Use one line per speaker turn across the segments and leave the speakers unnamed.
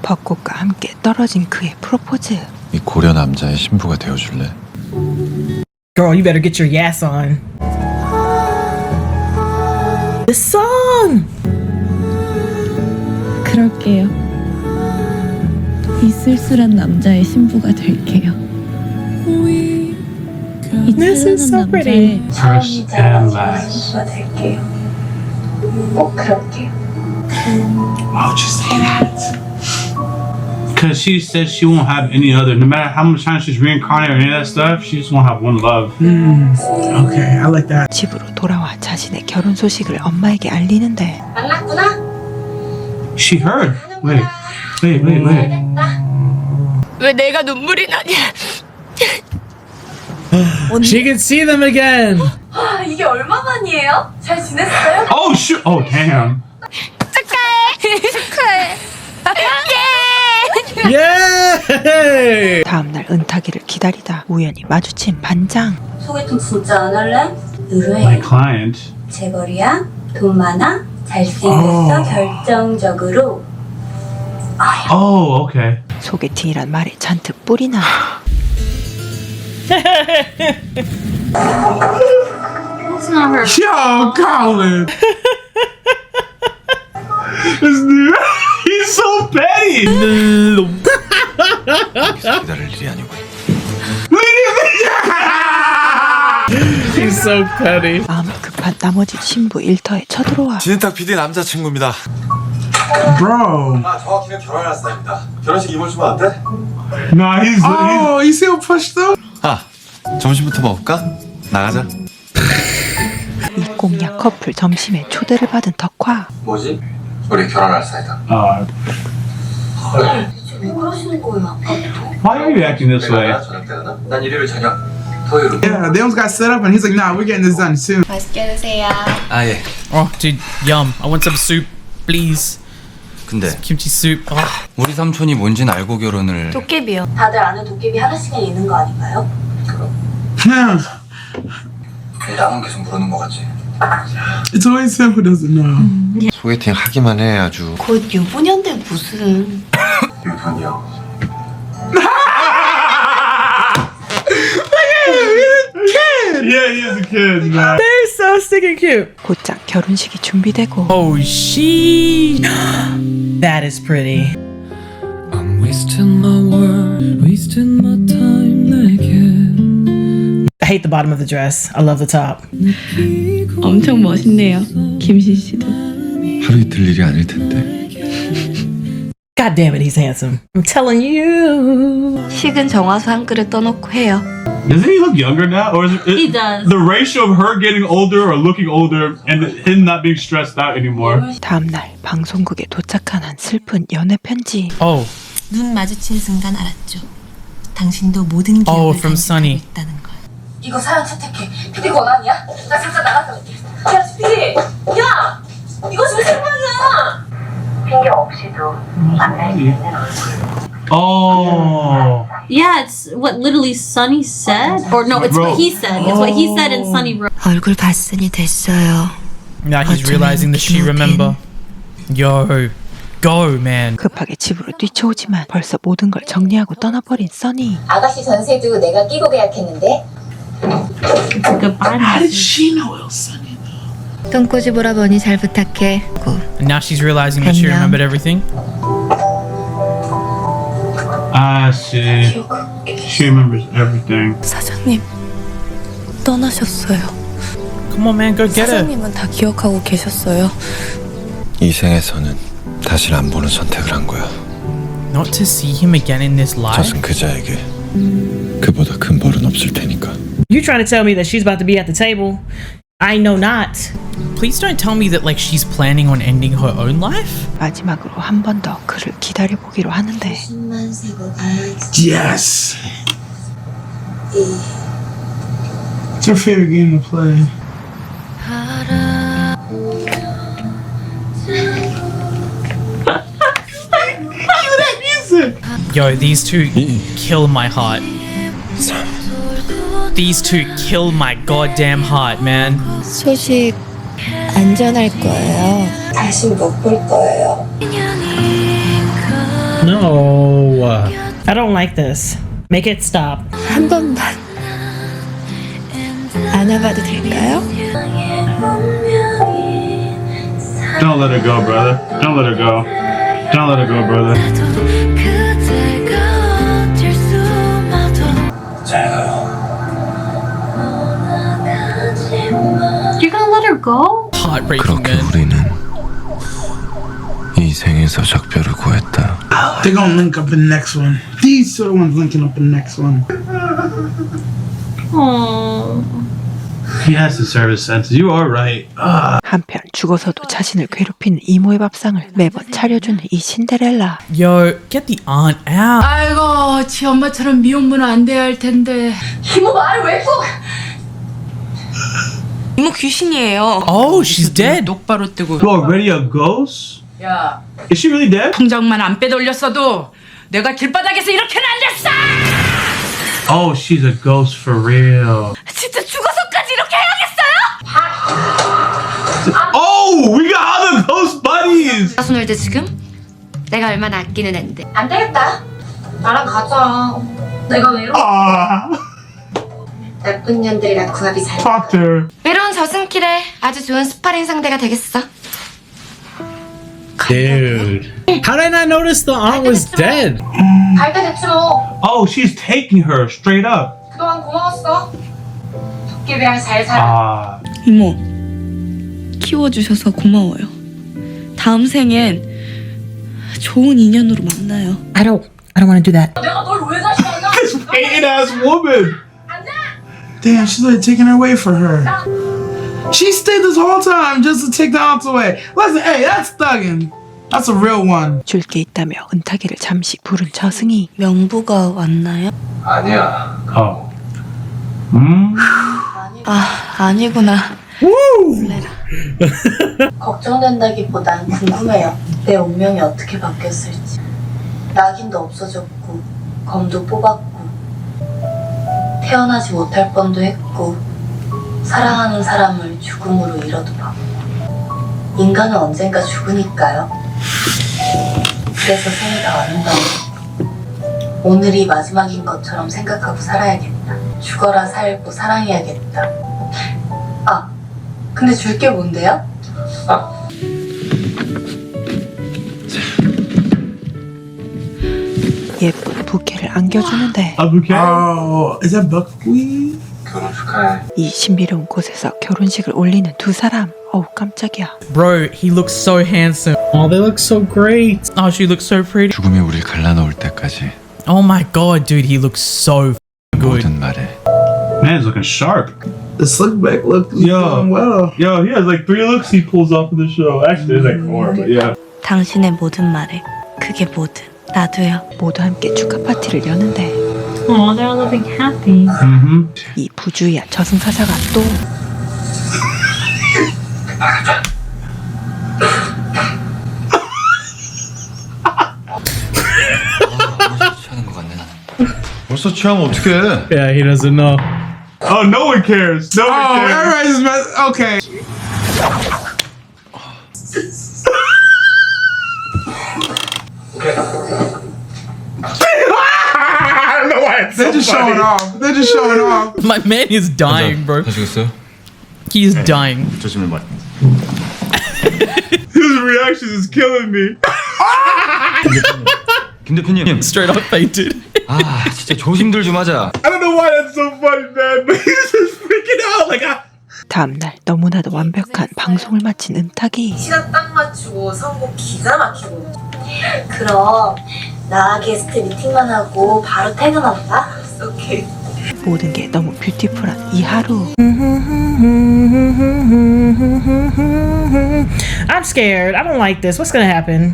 벚꽃과 함께 떨어진 그의 프로포즈.
이 고려 남자의 신부가 되어줄래?
Girl, you better get your yes on. The song!
그럴게요. 이 쓸쓸한 남자의 신부가 될게요. 이
This is so pretty.
First and last.
될게요. 꼭 그럴게요.
Why would you say that? Because she said she won't have any other. No matter how much time she's reincarnated or any of that stuff, she just won't have one love.
Okay, I like that.
집으로 돌아와 자신의 결혼 소식을 엄마에게 알리는데
만났구나.
She heard. Wait.
왜 내가 눈물이 나냐?
She can see them again.
아, 이게 얼마만이에요? 잘 지냈어요?
Oh shoot! Oh damn.
축하해.
Yay!
다음날 은탁이를 기다리다 우연히 마주친 반장.
소개팅 진짜 안 할래? 의뢰해.
My client.
재벌이야? 돈 많아? 잘생겼어? 결정적으로.
Oh, okay.
소개팅이란 말에 잔뜩 뿔이 나.
Yo, Colin. This dude, he's so petty.
기다릴 일이 아니고.
She's so petty.
마음이 급한 나머지 신부 일터에 쳐들어와.
진해탁 PD 남자친구입니다.
Bro.
아, 정확히는 결혼할 사람입니다. 결혼식 이번 주면 안 돼?
Nah, he's.
Oh, you see how pushed up?
아, 점심부터 먹을까? 나가자.
이 꽁약 커플 점심에 초대를 받은 덕화.
뭐지? 우리 결혼할 사이다.
왜 그러시는 거예요, 아까부터?
Why are you acting this way?
저녁 때나? 난 일요일 저녁. 토요일로.
Yeah, they almost got set up, and he's like, "Nah, we're getting this done soon."
맛있게 드세요.
아 예.
Oh, dude, yum. I want some soup, please.
근데
Kimchi soup. Oh.
우리 삼촌이 뭔진 알고 결혼을.
도깨비요. 다들 아는 도깨비 하나씩은 있는 거 아닌가요?
나만 계속 모르는 거 같지?
It's always him who doesn't know.
소개팅 하기만 해 아주.
곧 유부녀인데 무슨.
유분이요.
Yeah, he is a kid, man.
They're so stinking cute.
곧장 결혼식이 준비되고
Oh, she.
That is pretty.
I'm wasting my word, wasting my time again.
I hate the bottom of the dress. I love the top.
엄청 멋있네요. 김신 씨도.
하루 이틀 일이 아닐 텐데.
God damn it, he's handsome. I'm telling you.
식은 정화수 한 그릇 떠놓고 해요.
Doesn't he look younger now, or is it?
He does.
The ratio of her getting older or looking older, and him not being stressed out anymore.
다음날 방송국에 도착한 한 슬픈 연애 편지.
Oh,
눈 마주친 순간 알았죠. 당신도 모든 기억을
oh, from
간직하고
Sunny.
있다는 걸.
이거 사연 채택해. PD 권한이야? 나 잠깐 나갔다 올게. 야, PD! 야! 이거 지금 생방이야! 핑계 없이도 만날 수 있는 얼굴.
Oh.
Yeah, it's what literally Sunny said. Or no, it's what he said. It's what he said and Sunny wrote.
얼굴 봤으니 됐어요.
now he's realizing that she remember. Yo, go, man.
급하게 집으로 뛰쳐오지만 벌써 모든 걸 정리하고 떠나버린 써니.
아가씨 전세도 내가 끼고 계약했는데.
Goodbye.
She know it was Sunny.
똥꼬집 오라버니 잘 부탁해.
And now she's realizing that she remembered everything.
I see. She remembers everything.
사장님 떠나셨어요.
Come on, man, go get her.
사장님은 다 기억하고 계셨어요.
이 생에서는 다시 안 보는 선택을 한 거야.
Not to see him again in this life.
저승 그자에게 그보다 큰 벌은 없을 테니까.
You trying to tell me that she's about to be at the table? I know not.
Please don't tell me that like she's planning on ending her own life.
마지막으로 한 번 더 그를 기다려보기로 하는데
숨만 세고 가야지.
Yes. What's your favorite game to play?
Yo, these two kill my heart. These two kill my goddamn heart, man.
소식 안전할 거예요. 다시 못 볼 거예요.
No.
No.
I don't like this. Make it stop.
한 번만 안아봐도 될까요?
Don't let her go, brother. Don't let her go. Don't let her go, brother.
You're gonna let her go?
Heartbreaking,
그렇게
man.
우리는 이 생에서 작별을 구했다.
They're gonna link up in the next one. These two are the ones linking up in the next one.
Aww.
He has to serve his senses. You are right.
한편 죽어서도 자신을 괴롭히는 이모의 밥상을 매번 차려주는 이 신데렐라.
Yo, get the aunt out.
아이고, 지 엄마처럼 미혼모는 안 돼야 할 텐데. 이모 말을 왜 꼭? 이모 귀신이에요.
Oh, she's dead.
똑바로 뜨고.
You already a ghost?
야,
Is she really dead?
통장만 안 빼돌렸어도 내가 길바닥에서 이렇게는 안 됐어.
Oh, she's a ghost for real.
진짜 죽어서까지 이렇게 해야겠어요?
Oh, we got other ghost buddies.
손을 대 지금? 내가 얼마나 아끼는 앤데.
안 되겠다. 나랑 가자. 내가 왜 이러고
나쁜 년들이랑 궁합이 잘.
Talk to her.
외로운 저승길에 아주 좋은 스파링 상대가 되겠어.
Dude. How did I not notice the aunt was dead?
갈 때 됐지 뭐.
Oh, she's taking her straight up.
그동안 고마웠어. 도깨비랑 잘 살아.
이모, 키워주셔서 고마워요. 다음 생엔 좋은 인연으로 만나요.
I don't want to do that.
내가 널 왜 다시 만나?
Hating ass woman.
Damn, she's like taking her away for her. She stayed this whole time just to take the aunt away. Listen, hey, that's thugging. That's a real one.
줄 게 있다며 은탁이를 잠시 부른 저승이.
명부가 왔나요?
아니야.
Oh.
아, 아니구나.
걱정된다기보단 궁금해요. 내 운명이 어떻게 바뀌었을지. 낙인도 없어졌고 검도 뽑았고 태어나지 못할 뻔도 했고 사랑하는 사람을 죽음으로 잃어도 봤고 인간은 언젠가 죽으니까요. 그래서 생이가 아름다워. 오늘이 마지막인 것처럼 생각하고 살아야겠다. 죽어라 살고 사랑해야겠다. 아, 근데 줄 게 뭔데요?
예쁜 부케를 안겨주는데
A bouquet?
Oh, is that buckwheat?
결혼 축하해.
이 신비로운 곳에서 결혼식을 올리는 두 사람. 어우 깜짝이야.
Bro, he looks so handsome. Oh, they look so great. Oh, she looks so pretty.
죽음이 우릴 갈라놓을 때까지
Oh my god, dude, he looks so good.
모든 말에
Man, he's looking sharp.
The slick back look is
Yo.
doing well.
Yo, he has like 3 looks he pulls off in the show. Actually, there's like 4, but yeah.
당신의 모든 말에 그게 뭐든 나도요.
모두 함께 축하 파티를 여는데
Oh, they're living happy.
Mm-hmm.
이 부주의한 저승사자가 또
취하는 것 같네. 벌써 취하면 어떡해?
Yeah, he doesn't know.
Oh, no one cares. No one
Oh,
cares.
everybody's just okay.
I don't know why it's
They're just showing off. They're just showing off.
My man is dying, bro.
하시겠어요?
He is dying.
조심히 말.
His reaction is killing me.
김 대표님.
Straight up fainted.
아, 진짜 조심들 좀 하자.
I don't know why that's so funny, man, but he's just freaking out. Like,
다음날 너무나도 완벽한 방송을 마친 은탁이
시간 딱 맞추고 선곡 기가 막히고. 그럼 나 게스트 미팅만 하고 바로 퇴근한다. 오케이.
모든 게 너무 뷰티풀한 이 하루.
I'm scared. I don't like this. What's gonna happen?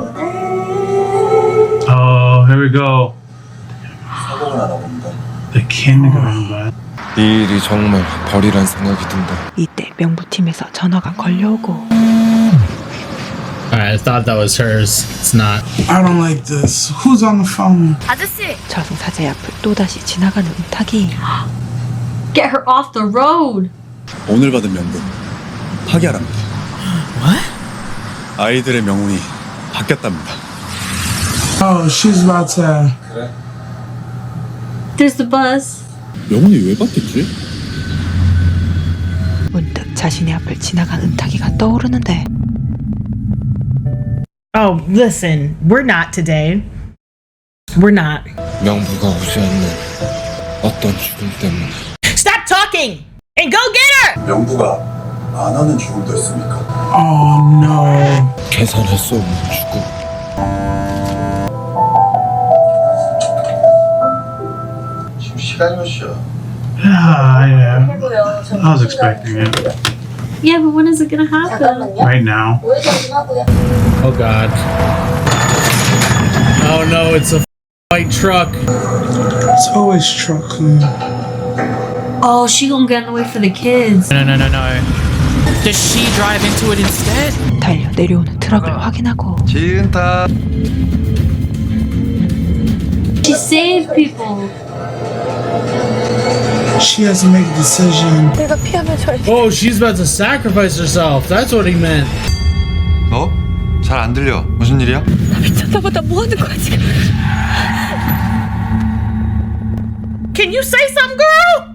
oh, here we go. The kindergarten bus.
이 일이 정말 벌이란 생각이 든다.
이때 명부팀에서 전화가 걸려오고
Alright, I thought that was hers. It's not.
I don't like this. Who's on the phone?
아저씨.
저승사자의 앞을 또다시 지나가는 은탁이
Get her off the road.
오늘 받은 명분 파기하랍니다.
What?
아이들의 명운이 바뀌었답니다.
Oh, she's about to.
There's the bus.
명훈이 왜 바뀌지?
문득 자신의 앞을 지나간 은탁이가 떠오르는데
Oh, listen, we're not today. We're not.
명부가 오지 않는 어떤 죽음 때문에
Stop talking and go get her!
명부가 안 하는 죽음도 있습니까?
Oh no.
계산할 수 없는 죽음.
지금 시간이 몇 시야?
Yeah.
해고요.
I was expecting it.
Yeah, but when is it gonna happen?
잠깐만요.
Right now.
우회전 좀 하고요.
Oh god. Oh no, it's a white truck.
It's always truck.
Oh, she gonna get in the way for the kids.
No. Does she drive into it instead?
달려 내려오는 트럭을 확인하고
지은타.
She saved people.
She has to make a decision.
Oh, she's about to sacrifice herself. That's what he meant.
뭐? 잘 안 들려. 무슨 일이야?
Can you say something, girl?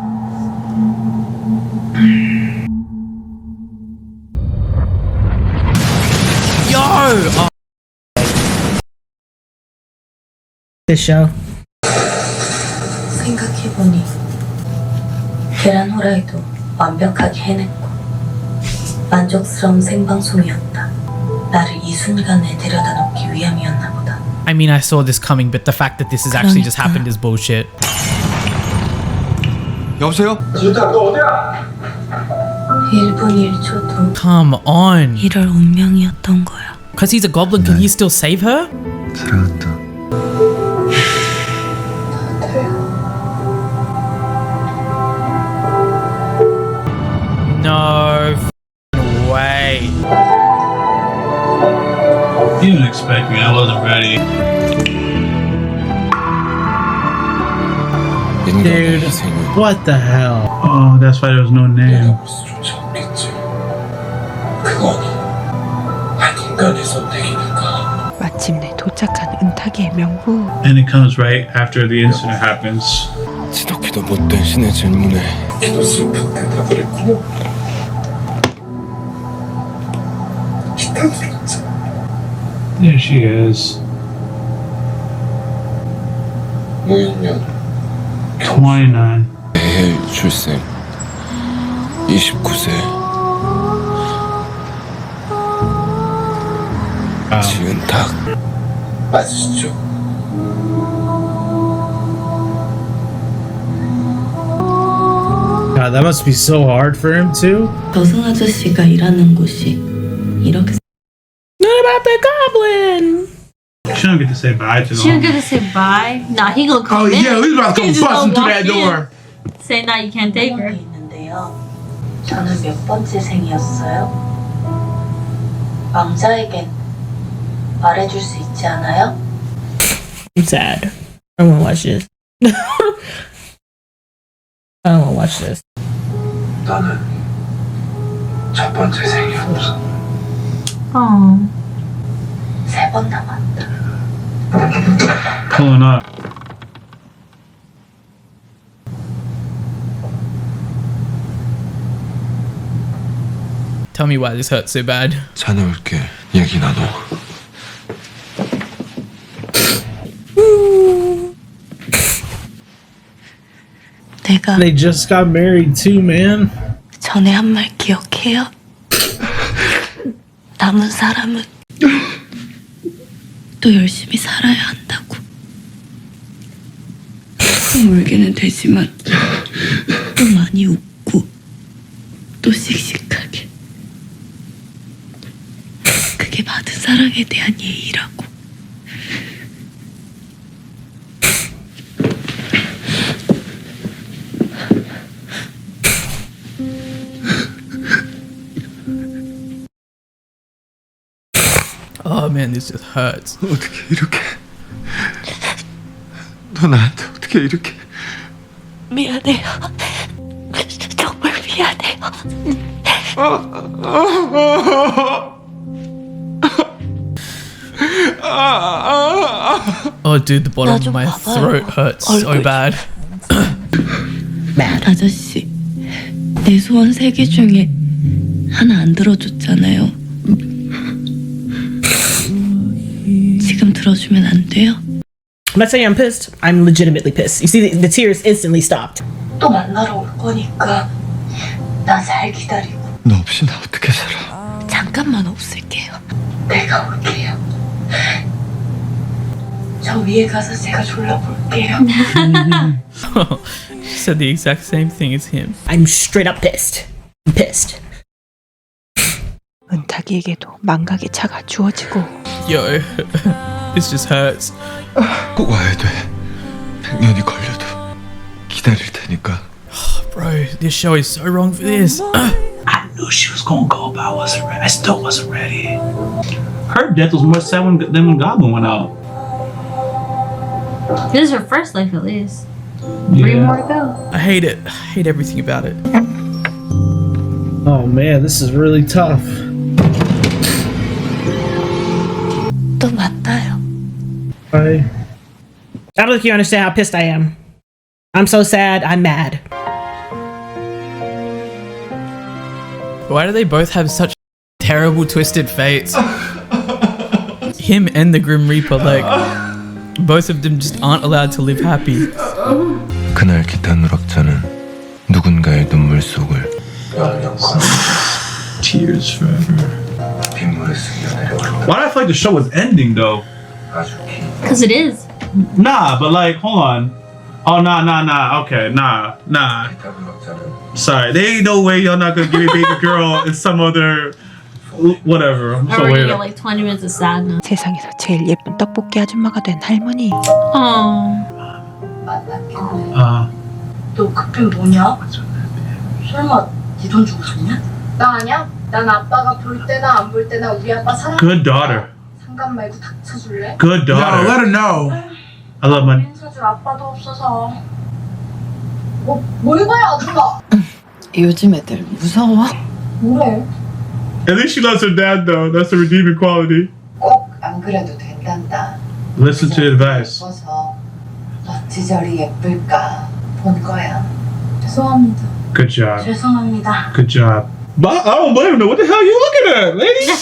Yo! Oh,
This show.
생각해보니 계란 후라이도 완벽하게 해냈고 만족스러운 생방송이었다. 나를 이 순간에 데려다 놓기 위함이었나 보다.
I mean, I saw this coming, but the fact that this has actually just happened is bullshit.
여보세요?
지은타 너 어디야?
1분 1초도
Come on.
이럴 운명이었던 거야.
Because he's a goblin, can he still save her?
사랑한다.
No f***ing way.
You didn't expect me. I wasn't ready.
Dude, what the hell?
Oh, that's why there was no name.
수조차 없겠지. 그거니 한 인간의 선택이니까.
마침내 도착한 은탁이의 명부.
And it comes right after the incident happens.
지독히도 못된 신의 질문에
기도 슬픈 대답을 했고 기탄 들었지.
There she is.
무인년
29.
매일 출생 29세 지은탁.
맞으시죠?
God, that must be so hard for him too.
저승 아저씨가 일하는 곳이 이렇게
What about the goblin?
She don't get to say bye to
She don't
them.
get to say bye. Nah, he gonna come
Oh
in.
yeah, he's about to come
He just
busting
gonna
through that
walk in.
door.
Say, nah, you can't take her.
있는데요. 저는 몇 번째 생이었어요? 왕자에겐 말해줄 수 있지 않아요?
I'm sad. I wanna watch this. I don't wanna watch this.
너는 첫 번째 생이었어.
Oh.
3번 남았다.
Pulling up.
Tell me why this hurts so bad.
자네 올게 얘기 나눠.
내가
They just got married too, man.
전에 한 말 기억해요? 남은 사람은 또 열심히 살아야 한다고. 울기는 되지만 또 많이 웃고 또 씩씩하게. 그게 받은 사랑에 대한 예의라고.
Oh man, this just hurts.
어떻게 이렇게? 너 나한테 어떻게 이렇게?
미안해요. 정말 미안해요.
Oh, dude, the bottom of my throat hurts so bad.
Mad.
아저씨, 내 소원 3개 중에 하나 안 들어줬잖아요. 지금 들어주면 안 돼요?
I'm not saying I'm pissed. I'm legitimately pissed. You see, the tears instantly stopped.
또 만나러 올 거니까 나 잘 기다리고
너 없이 나 어떻게 살아?
잠깐만 없을게요.
내가 올게요. 저 위에 가서 제가 졸라볼게요.
She said the exact same thing as him.
I'm straight up pissed. I'm pissed.
은탁이에게도 망각의 차가 주어지고
Yo, this just hurts.
꼭 와야 돼. 100년이 걸려도 기다릴 테니까.
Bro, this show is so wrong for this.
I knew she was gonna go, but I wasn't ready. I still wasn't ready. Her death was more sad than when Goblin went out.
This is her first life, at least. 3 more to go.
I hate it. I hate everything about it.
Oh man, this is really tough.
또 만나요.
I
I don't think you understand how pissed I am. I'm so sad. I'm mad.
Why do they both have such terrible twisted fates? Him and the Grim Reaper, like, both of them just aren't allowed to live happy.
그날 기타 누락자는 누군가의 눈물 속을
Tears forever.
빗물에 스며내려갈
Why do I feel like the show was ending though?
아주 긴
Because it is.
Nah, but like, hold on. Oh, nah. Okay, nah.
기타 누락자는
Sorry, there ain't no way y'all not gonna give me baby girl in some other whatever. I'm so
Already
weird.
got like 20 minutes of sadness.
세상에서 제일 예쁜 떡볶이 아줌마가 된 할머니.
Oh.
만났겠네. 너 그땐 뭐냐? 설마 네 돈 주고 샀냐? 나 아니야? 난 아빠가 볼 때나 안 볼 때나 우리 아빠 사랑.
Good daughter.
상관 말고 닥쳐줄래?
Good
yo,
daughter.
let her know.
I love my.
돈 사줄 아빠도 없어서. 뭘 봐야 아줌마?
요즘 애들 무서워?
뭐래?
At least she loves her dad though. That's the redeeming quality.
꼭 안 그래도 된단다.
Listen to advice.
예뻐서 어찌 저리 예쁠까 본 거야. 죄송합니다.
Good job.
죄송합니다.
Good job. But I don't blame her. What the hell are you looking at,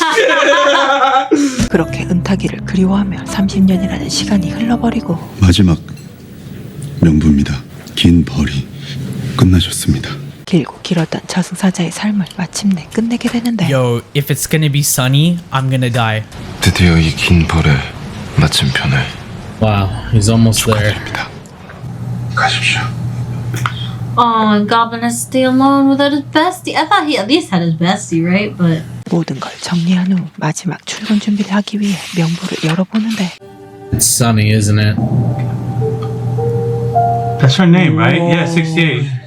lady?
그렇게 은탁이를 그리워하며 30년이라는 시간이 흘러버리고
마지막 명부입니다. 긴 벌이 끝나셨습니다.
길고 길었던 저승사자의 삶을 마침내 끝내게 되는데
Yo, if it's gonna be sunny, I'm gonna die.
드디어 이 긴 벌의 마침편을
Wow, he's almost there.
축하드립니다.
가십시오.
Oh, and Goblin has to stay alone without his bestie. I thought he at least had his bestie, right? But
모든 걸 정리한 후 마지막 출근 준비를 하기 위해 명부를 열어보는데
It's sunny, isn't it?
That's her name, right? Yeah, 68.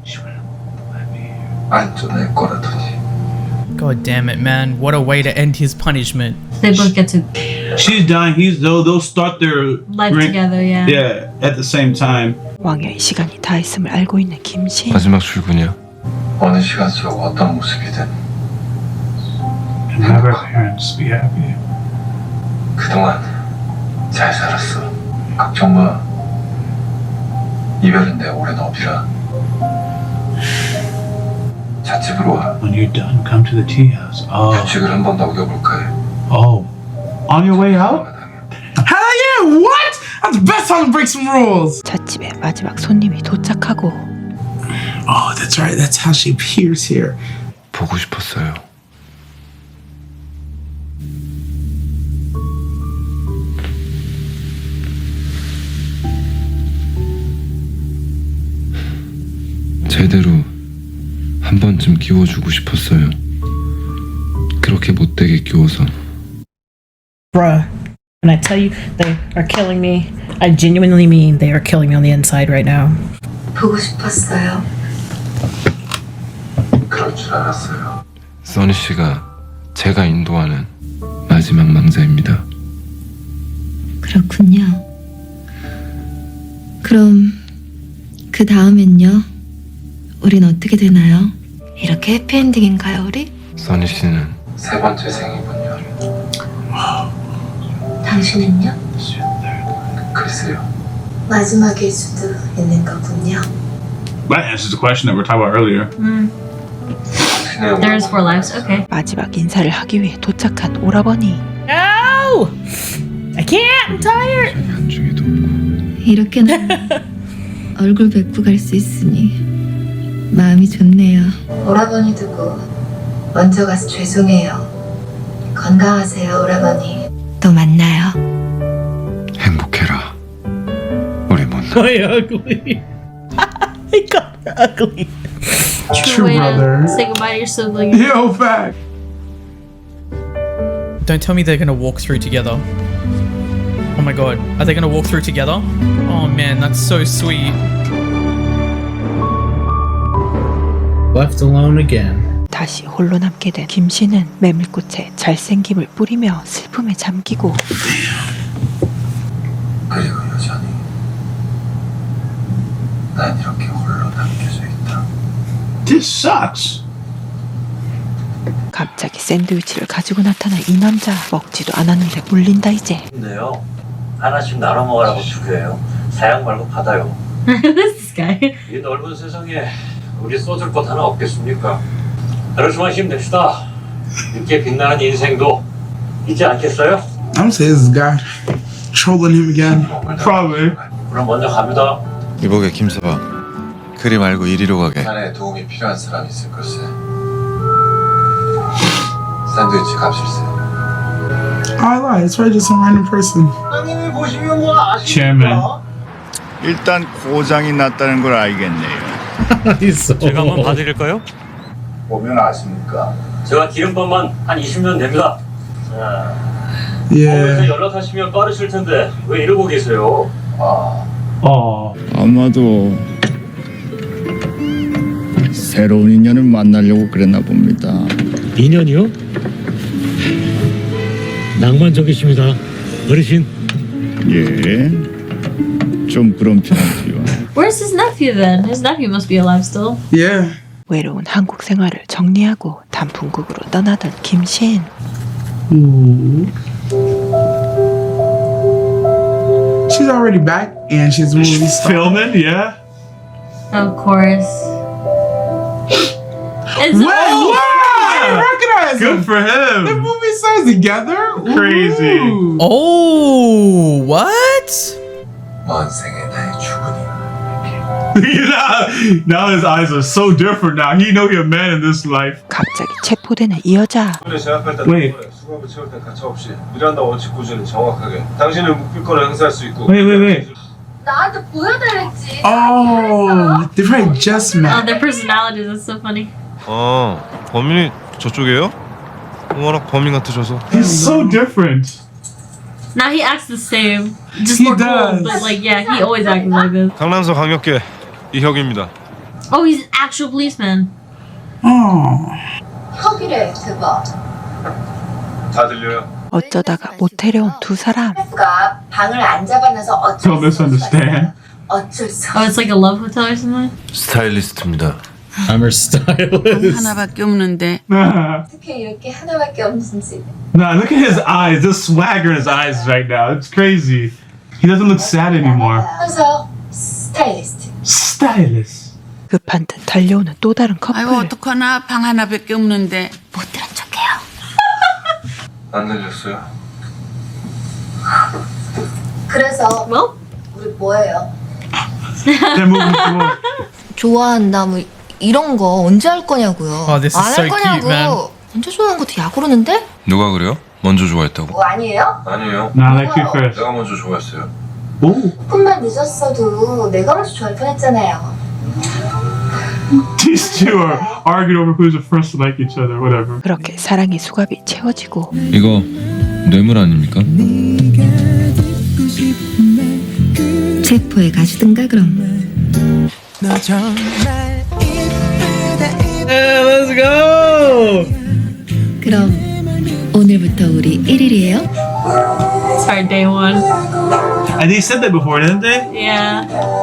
안전할 거라더니
God damn it, man. What a way to end his punishment.
they both get to
She's dying. They'll start their
live together, yeah.
Yeah, at the same time.
왕여의 시간이 다 있음을 알고 있는 김신
마지막 출근이야.
어느 시간 속 어떤 모습이든
And have her parents be happy.
그동안 잘 살았어. 걱정 마. 이별은 내 오랜 업이라. 잣집으로 와.
When you're done, come to the tea house. Oh,
규칙을 한 번 더 어겨볼까 해.
oh. On your way out?
Hell yeah! What? That's the best time to break some rules.
잣집에 마지막 손님이 도착하고
Oh, that's right. That's how she appears here.
보고 싶었어요. 제대로 한 번쯤 끼워주고 싶었어요. 그렇게 못되게 끼워서.
Bruh. When I tell you they are killing me, I genuinely mean they are killing me on the inside right now.
보고 싶었어요.
그럴 줄 알았어요.
써니 씨가 제가 인도하는 마지막 망자입니다.
그렇군요. 그럼 그 다음엔요? 우린 어떻게 되나요? 이렇게 해피엔딩인가요, 우리?
써니 씨는
세 번째 생이군요.
당신은요?
글쎄요.
마지막일 수도 있는 거군요.
That answers the question that we were talking about earlier.
There's 4 lives. Okay.
마지막 인사를 하기 위해 도착한 오라버니.
No! I can't! I'm tired!
한중에도 없고
이렇게나 얼굴 뵙고 갈 수 있으니 마음이 좋네요.
오라버니 두고 먼저 가서 죄송해요. 건강하세요, 오라버니.
또 만나요.
행복해라 우리 못
My ugly. I got ugly.
True
way
brother.
to say goodbye to your sibling.
Yo, fact.
Don't tell me they're gonna walk through together. Oh my god. Are they gonna walk through together? Oh man, that's so sweet.
Left alone again.
다시 홀로 남게 된 김씨는 메밀꽃에 잘생김을 뿌리며 슬픔에 잠기고
그리고 여전히 난 이렇게 홀로 남겨져 있다.
This sucks.
갑자기 샌드위치를 가지고 나타난 이 남자. 먹지도 않았는데 물린다 이제.
근데요 하나씩 나눠 먹으라고 주게요. 사양 말고 받아요.
Who's this guy?
이 넓은 세상에 우리 쏟을 것 하나 없겠습니까? 하루만 힘냅시다. 늦게 빛나는 인생도 있지 않겠어요?
I'm saying this guy trolling him again.
Probably.
그럼 먼저 갑니다.
이보게 김서방, 그리 말고 이리로 가게.
자네의 도움이 필요한 사람이 있을 걸세. 샌드위치 값일세.
I lied. It's probably just some random person.
형님이 보시면 뭐
Chairman.
일단 고장이 났다는 걸 알겠네요.
제가 한번 봐드릴까요? 보면 아십니까? 제가 기름값만 한 20년 됩니다. 자,
Yeah.
거기서 연락하시면 빠르실 텐데 왜 이러고 계세요?
Oh.
아마도 새로운 인연을 만나려고 그랬나 봅니다.
인연이요? 낭만적이십니다, 어르신.
예, 좀 그런 편이지요.
Where's his nephew then? His nephew must be alive still.
Yeah.
외로운 한국 생활을 정리하고 단풍국으로 떠나던 김신.
She's already back and she's movie star.
Filming, yeah.
Of course. Is
Wait, what? I recognize
Good
him.
for
The
him.
movie stars together?
Crazy.
Ooh.
Oh, what?
먼 생에 나의 주군이.
now his eyes are so different now. He know he a man in this life.
갑자기 체포되는 이 여자.
Wait.
수갑을 채울 때 가차없이 미란다 원칙 구조는 정확하게 당신을 묵비권을 행사할 수 있고.
Wait.
나한테 보여달랬지.
Oh, they probably just
Oh,
met.
their personalities. That's so funny.
범인이 저쪽이에요? 워낙 범인 같으셔서.
He's so different.
Now he acts the same, just
He
more
does.
cool. But like, yeah, he always acted like this.
강남서 강력계 이혁입니다.
Oh, he's an actual policeman.
Oh.
혁이래, 대박.
다 들려요?
어쩌다가 모텔에 온 두 사람.
가 방을 안 잡아놔서 어쩔
Don't
수
misunderstand.
없어. 어쩔 수
Oh, it's like a love hotel or something.
스타일리스트입니다.
I'm her stylist.
하나밖에 없는데
어떻게 이렇게 하나밖에 없는지.
Nah, look at his eyes. The swagger in his eyes right now. It's crazy. He doesn't look sad anymore.
그래서 스타일리스트.
Stylist.
급한 듯 달려오는 또 다른 커플.
아이고 어떡하나 방 하나밖에 없는데
못 들은 척해요.
안 들렸어요?
그래서
Well,
우리 뭐예요?
They're moving forward.
좋아한다 뭐 이런 거 언제 할 거냐고요.
Oh, this is
안
so
할
cute, man.
거냐고. 언제 좋아하는 것도 야구르는데?
누가 그래요? 먼저 좋아했다고.
뭐 아니에요?
아니에요.
Nah, I like you first.
내가 먼저 좋아했어요.
Ooh.
조금만 늦었어도 내가 먼저 좋아할 뻔했잖아요.
These two are arguing over who's the first to like each other, whatever.
그렇게 사랑의 수갑이 채워지고
이거 뇌물 아닙니까?
체포에 가시든가 그럼.
Yeah, let's go.
그럼 오늘부터 우리 1일이에요?
sorry, day one.
And they said that before, didn't they?
Yeah.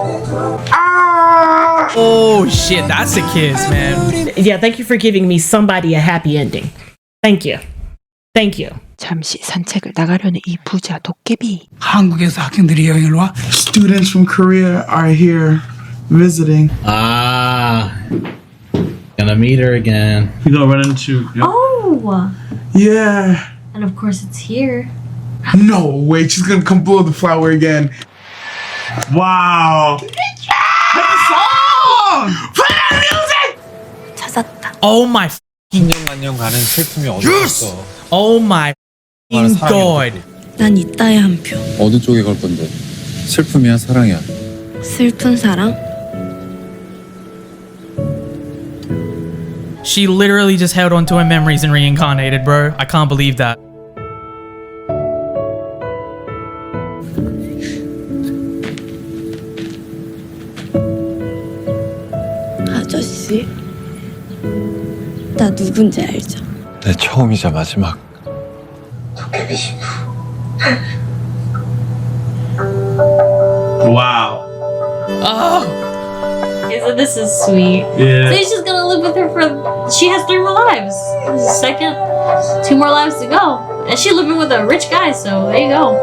Oh shit, that's a kiss, man.
Yeah, thank you for giving me somebody a happy ending. Thank you. Thank you.
잠시 산책을 나가려는 이 부자 도깨비.
한국에서 학생들이 여행을 와? Students from Korea are here visiting.
Ah. Gonna meet her again.
You gonna run into?
Oh,
Yeah.
and of course it's here.
No way, she's gonna come blow the flower again.
Wow.
Play the song! Play that music!
찾았다.
Oh my fucking
천년만년 가는 슬픔이 어디 있어?
oh my fucking god.
난 이따의 한 표.
어느 쪽에 걸 건데? 슬픔이야, 사랑이야?
슬픈 사랑?
She literally just held on to her memories and reincarnated, bro. I can't believe that.
아저씨. 나 누군지 알죠?
내 처음이자 마지막.
도깨비 신부.
Wow.
Oh,
Isn't this is sweet?
Yeah.
So he's just gonna live with her for. She has 3 more lives. Second, 2 more lives to go, and she's living with a rich guy. So there you go.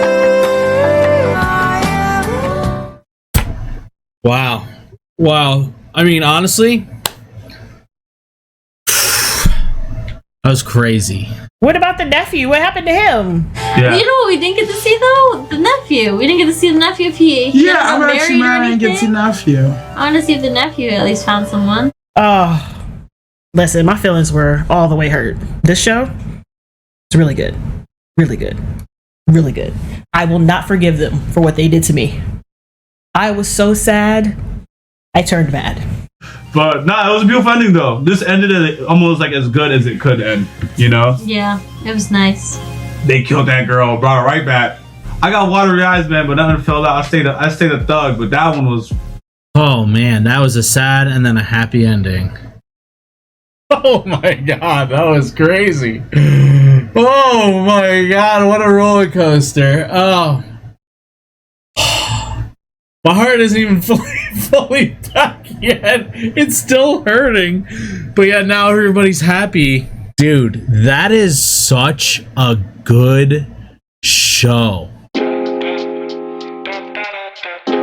Wow. Wow. I mean, honestly, that was crazy.
What about the nephew? What happened to him?
Yeah.
You know what we didn't get to see though? The nephew. We didn't get to see the nephew if he
Yeah,
got
I'm actually
married or
mad I didn't get to
anything.
nephew.
I want to see if the nephew at least found someone.
Oh, listen, my feelings were all the way hurt. This show is really good. Really good. Really good. I will not forgive them for what they did to me. I was so sad. I turned mad.
But nah, it was a beautiful ending though. This ended it almost like as good as it could end. You know,
Yeah, it was nice.
they killed that girl, brought her right back. I got watery eyes, man, but nothing fell out. I stayed a thug, but that one was.
Oh man, that was a sad and then a happy ending. Oh my god, that was crazy. Oh my god, what a roller coaster. Oh. My heart isn't even fully back yet. It's still hurting. But yeah, now everybody's happy. Dude, that is such a good show.